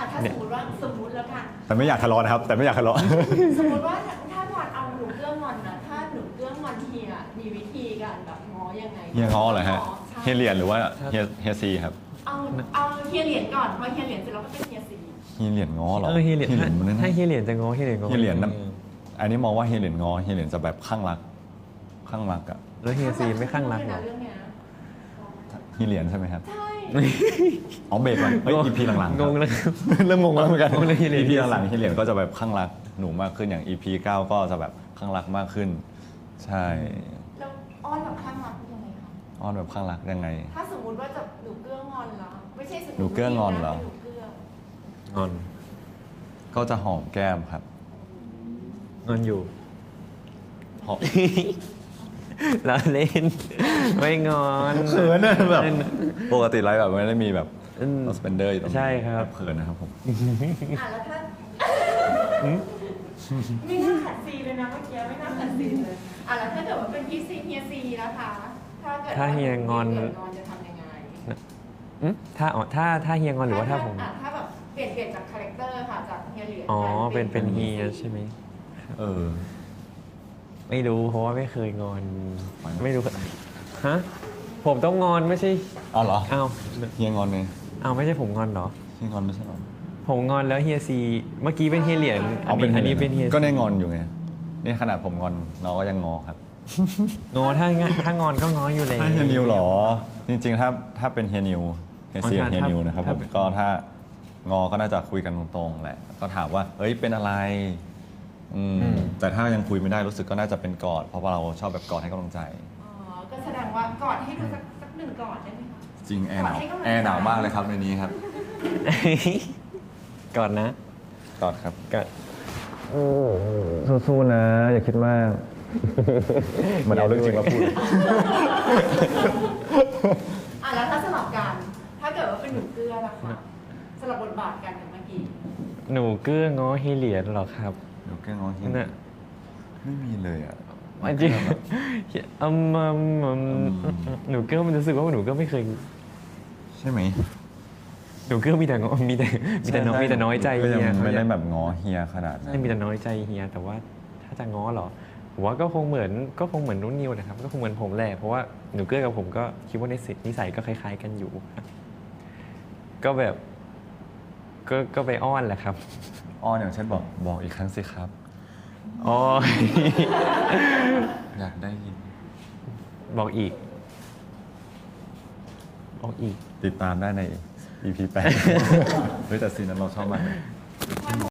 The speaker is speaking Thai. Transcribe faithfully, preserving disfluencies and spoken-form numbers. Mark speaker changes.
Speaker 1: อ่ะถ้าสมมติว่าสมมติแล้วกัน
Speaker 2: แต่ไม่อยากทะเลาะนะครับ แต่ไม่อยากทะเลาะ
Speaker 1: สมมติว่าถ้างอนเอาหนูเกื้องอนนะถ้าหนูเกื้องอนเฮียมีวิธีการแบบง้อยังไง
Speaker 2: เฮียง้อเหรอฮะ
Speaker 1: ใช่
Speaker 2: เฮียเหรียญหรือว่าเฮียเฮียซีครับ
Speaker 1: เอาเอาเฮียเหรียญก่อนพอเฮียเหรียญเสร็จแล้วก็เป็นเฮียซี
Speaker 2: เฮียเหรียญง้อเหรอ
Speaker 3: เออเฮียเหรียญ
Speaker 2: มันนั่น
Speaker 3: ถ้าเฮียเหรียญจะง้อเฮียเหรียญง้อ
Speaker 2: เฮียเหรียญนะอันนี้มองว่าเฮียเหรียญง้อเฮียเหรียญจะแบบข้างรักข้างรักอะ
Speaker 3: แล้วเฮียซีไม่ข้างรักเหรอ
Speaker 1: เรื่องเนี้ย
Speaker 2: เฮียเหรียญใช่ไหมครับ
Speaker 1: ใช่
Speaker 2: อ๋อเบรกก่อนเฮ้ย อี พี หลังๆ
Speaker 3: งงแล้วครับ
Speaker 2: เริ่มงงแล้วเหมือนกัน
Speaker 3: งงเลยเฮียเหรียญ
Speaker 2: อี พี หลังๆเฮียเหรียญก็จะแบบข้างรักหนูมากขึ้นอย่าง อี พี เก้าก็จะแบบข้างรักมากขึ้น ใช่
Speaker 1: แล้วอ้อนแบบข้างรักยังไงคะ
Speaker 2: อ้อนแบบข้างรักยังไง
Speaker 1: ถ้าสมมติว่าจะหนูเกื้องอนแล้วไม่ใช่สมมติ
Speaker 2: หนูเกื้องอนเหรอ
Speaker 1: หนูเกื้อง
Speaker 3: งอน
Speaker 2: ก็จะหอมแก้มครับ
Speaker 3: งอนอยู่
Speaker 2: หอม
Speaker 3: แล้วเล่น ไม่งอน
Speaker 2: เขินนะแบบ
Speaker 3: เล่น
Speaker 2: ปกติไลฟ์แบบไม่ได้มีแบบ
Speaker 3: อืม
Speaker 2: สเปนเดอร์อยู่ตรงนี้
Speaker 3: ใช่ครับ
Speaker 2: เขินนะครับผม
Speaker 1: อ่ะแล้วถ้าไม่น่าขัดซีเลยนะเมื่อกี้ไม่น่าขัดซีเลยอ่ะแล้วถ้าเกิดว่าเป็นพี่ซีเฮียซีนะคะถ้าเกิดว่
Speaker 3: ถ้าเฮียงอน
Speaker 1: เกิดงอนจะทำยังไง
Speaker 3: อืมถ้าอ๋อถ้าถ้าเฮียงอนหรือว่าถ้าผม
Speaker 1: อ่ะถ้าแบบเปลี่ยนเปลี่ยนจากคาแรคเตอร์ค่ะจากเฮียเหรียญ
Speaker 3: อ๋อ
Speaker 1: กลาย
Speaker 3: เป็นเป็นเฮียใช่ไหม
Speaker 2: เออ
Speaker 3: ไม่รู้เพราะว่าไม่เคยงอน
Speaker 2: ไม่นะ
Speaker 3: ไม่รู้ฮะผมต้องงอนไม่ใช่
Speaker 2: เอาเหรอ
Speaker 3: อ้าว
Speaker 2: เฮียงอนไง
Speaker 3: อ้าวไม่ใช่ผมงอนเหรอ
Speaker 2: เฮียงอนไม่ใช่เหรอ
Speaker 3: ผมงอนแล้วเฮียซีเมื่อกี้เป็นเฮียเหรียญอันนี้อันนี้เป็นเฮีย
Speaker 2: ก็ได้งอนอยู่ไงนี่ขนาดผมงอนน้องก็ยังงอครับ
Speaker 3: งอถ้างั้นถ้างอนก็งออยู่แล้ว
Speaker 2: ถ้าเฮียนิวเหรอ จริงๆ ถ้าถ้าเป็นเฮียนิวเฮียซีกับเฮียนิวนะครับผมก็ถ้างอก็น่าจะคุยกันตรงๆแหละ ก็ถามว่าเอ้ยเป็นอะไรอืมแต่ถ้ายังคุยไม่ได้รู้สึกก็น่าจะเป็นกอด เพราะว่าเราชอบแบบกอดให้กำลังใจ
Speaker 1: อ๋อก็แสดงว่ากอดให้ดูสักสักหนึ่งกอดได้ไหมคะ
Speaker 2: จริงแอร์หนาว
Speaker 1: กอดให้กำลังใจ
Speaker 2: แอร์หนาวมากเลยครับในนี้ครับ
Speaker 3: ก่อนนะ
Speaker 2: กอดครับ
Speaker 3: ก่อน
Speaker 2: สู้ๆนะ อย่าคิดมากเหมือนเอาเรื่องจริงมาพูด
Speaker 1: อ่ะแล้วถ้าสลับกัน ถ้าเกิดว่าเป็นหนูเกลือล่ะคะสลับบทบาทกันกับเมื่อกี้
Speaker 3: หนูเกื้องอเฮียเหรียญเหรอครับ
Speaker 2: เดี๋ยวแกล้งงอเฮีย
Speaker 3: นั่นน่ะ
Speaker 2: ไม่มีเลยอ่ะ
Speaker 3: มันจริงอืมอืมอืมหนูเกื้อมันรู้สึกว่าหนูเกื้อไม่เคย
Speaker 2: ใช่ไหม
Speaker 3: หนูเกื้อมีแต่งอมีแต่มีแต่น้อยมีแต่น้อยใจ
Speaker 2: ก็
Speaker 3: เฮี
Speaker 2: ยั
Speaker 3: ย
Speaker 2: งไม่ได้แบบง้อเฮียขนาดนั้น
Speaker 3: ไม่มีแต่น้อยใจเฮียแต่ว่าถ้าจะง้อเหรอผมว่าก็คงเหมือนก็คงเหมือนนุ่นนิวนะครับ ก็คงเหมือนผมแหละเพราะว่าหนูเกื้อกับผมก็คิดว่าในสินิสัยก็คล้าย ๆ กันอยู่ ก็แบบก็ก็ไปอ้อนแหละครับ
Speaker 2: อ้อนอย่างเช่นบอกบอกอีกครั้งสิครับ
Speaker 3: อ๋อ
Speaker 2: อยากได้ยิน
Speaker 3: บอกอีก บอกอีก
Speaker 2: ติดตามได้ใน อี พี แปด เฮ้ยแต่ซีนนั้นเราชอบมากเลย